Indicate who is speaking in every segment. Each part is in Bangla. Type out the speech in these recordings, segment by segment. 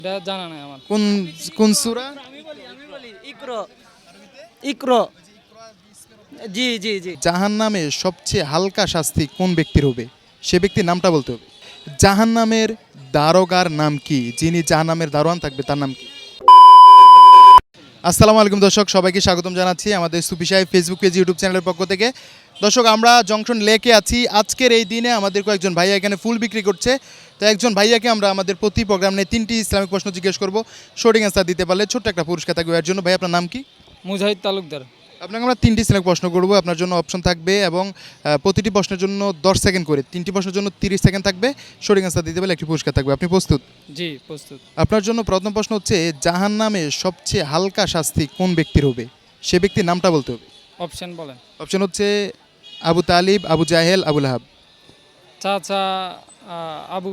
Speaker 1: এটা জানা নাই আমার।
Speaker 2: কোন কোন সূরা?
Speaker 3: আমি বলি ইকরো ইকরো জি জি জি
Speaker 2: জাহান্নামে সবচেয়ে হালকা শাস্তি কোন ব্যক্তির হবে? সে ব্যক্তির নামটা বলতে হবে। জাহান্নামের দারোগার নাম কি? যিনি জাহান্নামের দারোয়ান থাকবে তার নাম কি? আসসালামু আলাইকুম দর্শক, সবাইকে স্বাগতম জানাচ্ছি আমাদের সুফি সাহেব ফেসবুক পেজ ইউটিউব চ্যানেলের পক্ষ থেকে। দর্শক, আমরা জংশন লেকে আছি। আজকের এই দিনে আমাদের কয়েকজন ভাইয়া এখানে ফুল বিক্রি করছে। তো একজন ভাইয়াকে আমরা আমাদের প্রতি প্রোগ্রাম নিয়ে 3টি ইসলামিক প্রশ্ন জিজ্ঞেস করব। সঠিক অ্যান্সার দিতে পারলে ছোট্ট একটা পুরস্কার থাকবে। এর জন্য ভাই আপনার নাম কি?
Speaker 1: মুজাহিদ তালুকদার।
Speaker 2: আপনাকে আমরা 3টি ইসলামিক প্রশ্ন করব, আপনার জন্য অপশন থাকবে এবং প্রতিটি প্রশ্নের জন্য 10 সেকেন্ড করে, 3টি প্রশ্নের জন্য 30 সেকেন্ড থাকবে। সঠিক অ্যান্সার দিতে পারলে একটি পুরস্কার থাকবে। আপনি প্রস্তুত?
Speaker 1: জি প্রস্তুত।
Speaker 2: আপনার জন্য প্রথম প্রশ্ন হচ্ছে, জাহান্নামে সবচেয়ে হালকা শাস্তি কোন ব্যক্তির হবে? সে ব্যক্তির নামটা বলতে হবে।
Speaker 1: অপশন বলেন।
Speaker 2: অপশন হচ্ছে আবু তালিব, আবু জাহেল, আবু লাহাব।
Speaker 1: চাচা আবু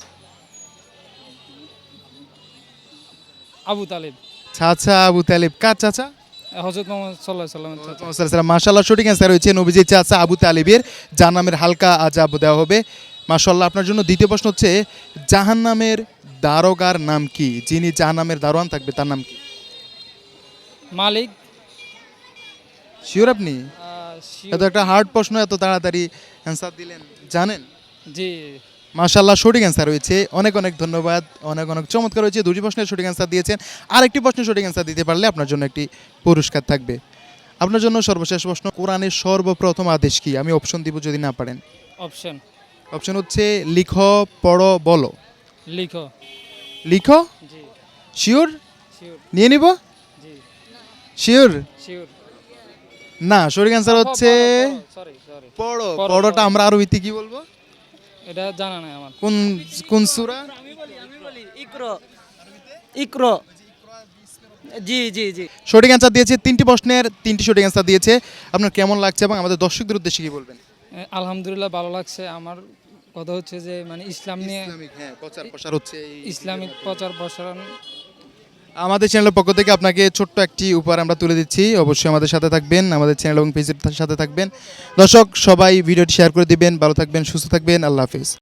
Speaker 1: আবু তালিব।
Speaker 2: চাচা আবু তালিব। কার চাচা?
Speaker 1: হযরত মুহাম্মদ সাল্লাল্লাহু আলাইহি ওয়াসাল্লাম।
Speaker 2: মাশাআল্লাহ, সঠিক অ্যান্সার হয়েছে নবীজির চাচা আবু তালিবের জাহান্নামের হালকা আযাব দেওয়া হবে। মাশাআল্লাহ। আপনার জন্য দ্বিতীয় প্রশ্ন হচ্ছে, জাহান্নামের দারোগার নাম কি? যিনি জাহান্নামের দারোয়ান থাকবে তার নাম কি?
Speaker 1: মালিক।
Speaker 2: শিওর আপনি? এত একটা হার্ড প্রশ্ন, এত তাড়াতাড়ি অ্যান্সার দিলেন, জানেন?
Speaker 1: জি।
Speaker 2: মাশাআল্লাহ, সঠিক অ্যান্সার হয়েছে। অনেক অনেক ধন্যবাদ, অনেক অনেক চমৎকার হয়েছে। দুটি প্রশ্নের সঠিক অ্যান্সার দিয়েছেন। আর একটি প্রশ্নের সঠিক অ্যান্সার দিতে পারলে আপনার জন্য একটি পুরস্কার থাকবে। আপনার জন্য সর্বশেষ প্রশ্ন, কোরআনের সর্বপ্রথম আদেশ কি? আমি অপশন দিব যদি না পারেন।
Speaker 1: অপশন।
Speaker 2: অপশন হচ্ছে লিখো, পড়ো, বলো।
Speaker 1: লিখো।
Speaker 2: লিখো?
Speaker 1: জি।
Speaker 2: শিওর?
Speaker 1: শিওর।
Speaker 2: নিয়ে নিব?
Speaker 1: জি।
Speaker 2: শিওর?
Speaker 1: শিওর।
Speaker 2: না, সঠিক অ্যান্সার হচ্ছে
Speaker 1: সরি সরি।
Speaker 2: পড়ো।
Speaker 1: পড়ো,
Speaker 2: পড়োটা
Speaker 1: পড়ো।
Speaker 2: আমরা আরবিতে কি বলবো?
Speaker 1: এটা জানা নাই আমার।
Speaker 2: কোন কোন সূরা?
Speaker 3: আমি বলি ইকরো ইকরো জি জি জি
Speaker 2: সঠিক অ্যান্সার দিয়েছে। 3টি প্রশ্নের 3টি সঠিক অ্যান্সার দিয়েছে। আপনার কেমন লাগছে এবং আমাদের দর্শকদের উদ্দেশ্যে কি বলবেন?
Speaker 1: আলহামদুলিল্লাহ ভালো লাগছে। আমার কথা হচ্ছে যে মানে ইসলাম নিয়ে
Speaker 2: ইসলামিক, হ্যাঁ, প্রচার প্রসার হচ্ছে
Speaker 1: ইসলামিক প্রচার প্রসারণ।
Speaker 2: আমাদের চ্যানেলের পক্ষ থেকে আপনাকে ছোট্ট একটি উপহার আমরা তুলে দিচ্ছি। অবশ্যই আমাদের সাথে থাকবেন, আমাদের চ্যানেল এবং পেজের সাথে থাকবেন। দর্শক সবাই ভিডিওটি শেয়ার করে দিবেন। ভালো থাকবেন, সুস্থ থাকবেন। আল্লাহ হাফেজ।